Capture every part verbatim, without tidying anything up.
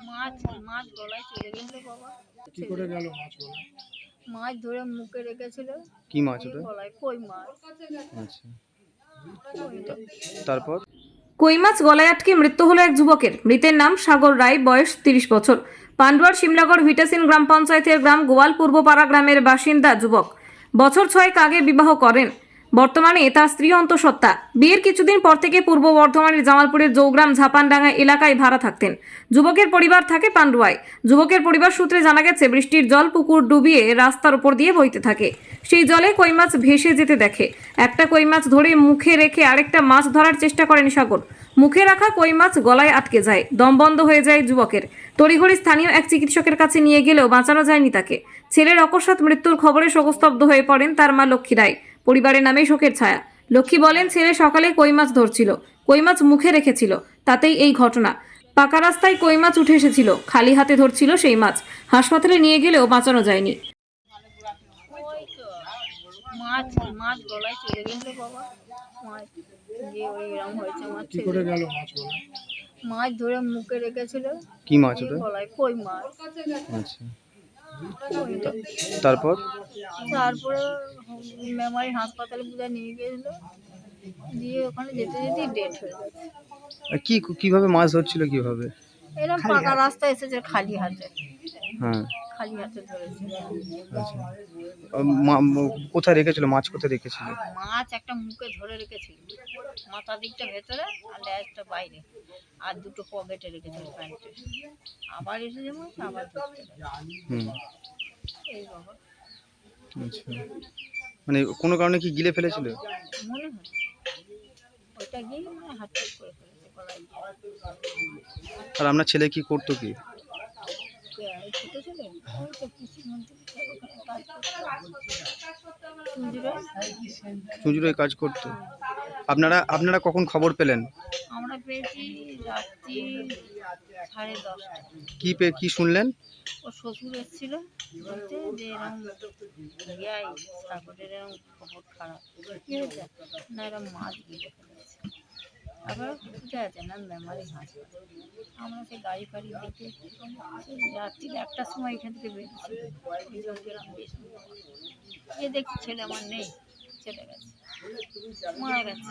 মাছ মাছ গলায় চলে গেছিল বাবা। কি করে গেল মাছ গলায়? মাছ ধরে মুখে রেখেছিল। কি মাছ ওটা? গলায় কই মাছ। আচ্ছা, তারপর? কই মাছ গলায় আটকে মৃত্যু হলো এক যুবকের। মৃতের নাম সাগর রায়, বয়স তিরিশ বছর। পান্ডুয়ার শিমলাগড় ভিটাসিন গ্রাম পঞ্চায়েতের গ্রাম গোয়াল পূর্বপাড়া গ্রামের বাসিন্দা যুবক। বছর ছয়েক আগে বিবাহ করেন। বর্তমানে তার স্ত্রী অন্তঃসত্ত্বা। বিয়ের কিছুদিন পর থেকে পূর্ব বর্ধমানের জামালপুরের জৌগ্রাম ঝাপানডাঙ্গা এলাকায় ভাড়া থাকতেন। যুবকের পরিবার থাকে পান্ডুয়ায়। যুবকের পরিবার সূত্রে জানা গেছে, বৃষ্টির জল পুকুর ডুবিয়ে রাস্তার উপর দিয়ে বইতে থাকে। সেই জলে কই মাছ ভেসে যেতে দেখে। একটা কই মাছ ধরে মুখে রেখে আরেকটা মাছ ধরার চেষ্টা করেন সাগর। মুখে রাখা কই মাছ গলায় আটকে যায়। দম বন্ধ হয়ে যায় যুবকের। তড়িঘড়ি স্থানীয় এক চিকিৎসকের কাছে নিয়ে গেলেও বাঁচানো যায়নি তাকে। ছেলের অকস্মাৎ মৃত্যুর খবরে শোকস্তব্ধ হয়ে পড়েন তার মা লক্ষ্মী রায়। পরিবারের নামে শোকের ছায়া। লক্ষ্মী বলেন, ছেলে সকালে কই মাছ ধরছিল, কই মাছ মুখে রেখেছিল, তাতেই এই ঘটনা। পাকা রাস্তায় কই মাছ উঠে এসেছিল, খালি হাতে ধরছিল সেই মাছ। হাসপাতালে নিয়ে গেলেও বাঁচানো যায়নি। ওই তো মাছ মাছ গলায় চলে গেছিল বাবা। মাছ যে ওই এরকম হয়েছে মাছ। কি করে গেল মাছ গলায়? মাছ ধরে মুখে রেখেছিল। কি মাছ ওটা? গলায় কই মাছ। আচ্ছা, তারপর? তারপরে মেমারি হাসপাতালে বুঝে নিয়ে গেছিল, দিয়ে ওখানে যেতে যেতে ডেট হয়ে গেছে। কি কিভাবে মাছ ধরছিল কিভাবে? এরকম পাকা রাস্তা এসেছে খালি হাতে। হ্যাঁ, খালি হাতে ধরেছে। আচ্ছা, মা- ম- কোথায় রেখেছিল মাছ? কোথায় রেখেছিল? মাছ একটা মুখে ধরে রেখেছিল, মাথা দিকটা ভেতরে আর লেজটা বাইরে, আর দুটো পকেটে রেখেছিল প্যান্টে। আবার এসে যেমন আবার ধরতে গেছে। হুম, এই বাবা আচ্ছা, মানে কোনো কারণে কি গিলে ফেলেছিল? মনে হয় ওইটা গিয়ে মানে হাত করে ফেলেছে গলায় গিয়ে। আর আপনার ছেলে কি করতো কি? কে, এই ছোট ছেলে ওই তো কৃষি মন্ত্রী ওখানে কাজ করতো, চুঁচুড়ায়। চুঁচুড়ায় কাজ করতো। আপনারা আপনারা কখন খবর পেলেন? আমরা পেয়েছি রাত্রি সাড়ে দশটা। কি পে কি শুনলেন? ও শ্বশুর এসেছিল বলতে যে এরকম ইয়াই সাগরের এরকম খবর খারাপ। কি হয়েছে না, এরকম মাছ গিলে ফেলেছে। আবার কোথায় আছে না মেমারি হাসপাতাল। আমরা সেই গাড়ি ফাড়ি দেখে সেই রাত্রি একটার সময় এখান থেকে বেরিয়েছি। ওই জলগ্রাম দিয়ে এ দেখছি ছেলে আমার নেই, চলে গেছে, মারা গেছে।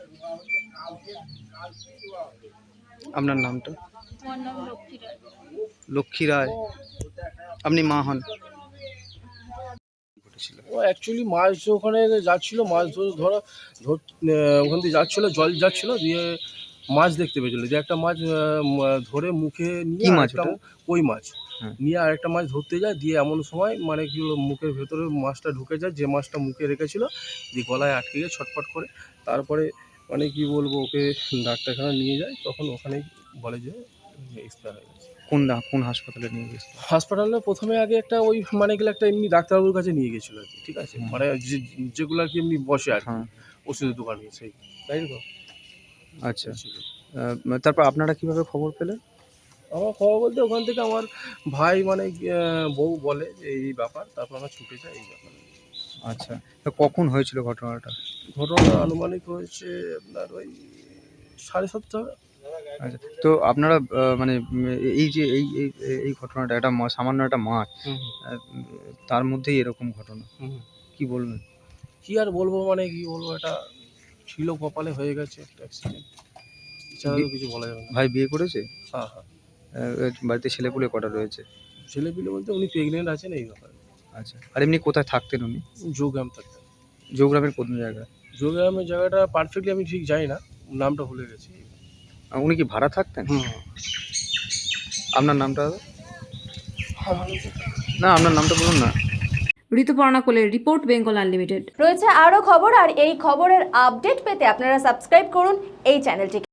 আপনার নামটা? আমার নাম লক্ষ্মী রায়। লক্ষ্মী রায়। আপনি মা হন। ও অ্যাকচুয়ালি মাছ ওখানে যাচ্ছিলো, মাছ ধরে ধরা ধর ওখান থেকে যাচ্ছিলো, জল যাচ্ছিলো, দিয়ে মাছ দেখতে পেয়েছিলো যে একটা মাছ আহ, ধরে মুখে নিয়ে মাছ একটা ওটা? কই মাছ হ্যাঁ। নিয়ে আরেকটা মাছ ধরতে যায়, দিয়ে এমন সময় মানে কি হলো, মুখের ভেতরে মাছটা ঢুকে যায়, যে মাছটা মুখে রেখেছিল, দিয়ে গলায় আটকে গিয়ে ছটফট করে। তারপরে মানে কি বলবো, ওকে ডাক্তারখানা নিয়ে যায়, তখন ওখানেই বলে যে এক্সপায়ার হয়ে গেছে। কোন দা কোন হাসপাতালে নিয়ে গেছিল? হাসপাতালে প্রথমে আগে একটা ওই মানে গেলে একটা এমনি ডাক্তারবাবুর কাছে নিয়ে গেছিলো আর কি, ঠিক আছে, হুম। মানে যে যেগুলো আর কি এমনি বসে আর কি, হ্যাঁ, ওষুধের দোকানে, সেই তাই তো। আচ্ছা, আহ, তারপর আপনারা কিভাবে খবর পেলেন? আমার খবর বলতে ওখান থেকে আমার ভাই মানে আহ, বউ বলে যে এই ব্যাপার, তারপর আমরা ছুটে যাই এই ব্যাপার। আচ্ছা, তা কখন হয়েছিল ঘটনাটা? ঘটনা আনুমানিক হয়েছে আপনার ওই সাড়ে সাতটা। আচ্ছা, তো আপনারা আহ, মানে উম, এই যে এই এই এই ঘটনাটা একটা মা- সামান্য একটা মাছ, হুম আহ, তার মধ্যেই এরকম ঘটনা, হুম। কি বলবেন? কি আর বলবো, মানে কি বলবো, এটা ছিল কপালে, হয়ে গেছে একটা অ্যাক্সিডেন্ট, এছাড়া তো কিছু বলা যাবে না। ভাই বিয়ে করেছে? হ্যাঁ হ্যাঁ। আহ, বাড়িতে ছেলেপুলে কটা রয়েছে? ছেলেপিলে বলতে উনি প্রেগনেন্ট আছেন এই ব্যাপারে। আচ্ছা, আর এমনি কোথায় থাকতেন উনি? যোগগ্রাম থাকতেন। জৌগ্রামের কোন জায়গায়? যোগগ্রামের জায়গাটা পারফেক্টলি আমি ঠিক জানি না, নামটা ভুলে গেছি। আহ, উনি কি ভাড়া থাকতেন? হুম। আপনার নামটা? না, আপনার নামটা বলুন না। ঋতুপর্ণা কোলের রিপোর্ট, বেঙ্গল আনলিমিটেড। রয়েছে আরও খবর, আর এই খবরের আপডেট পেতে আপনারা সাবস্ক্রাইব করুন এই চ্যানেলটিকে।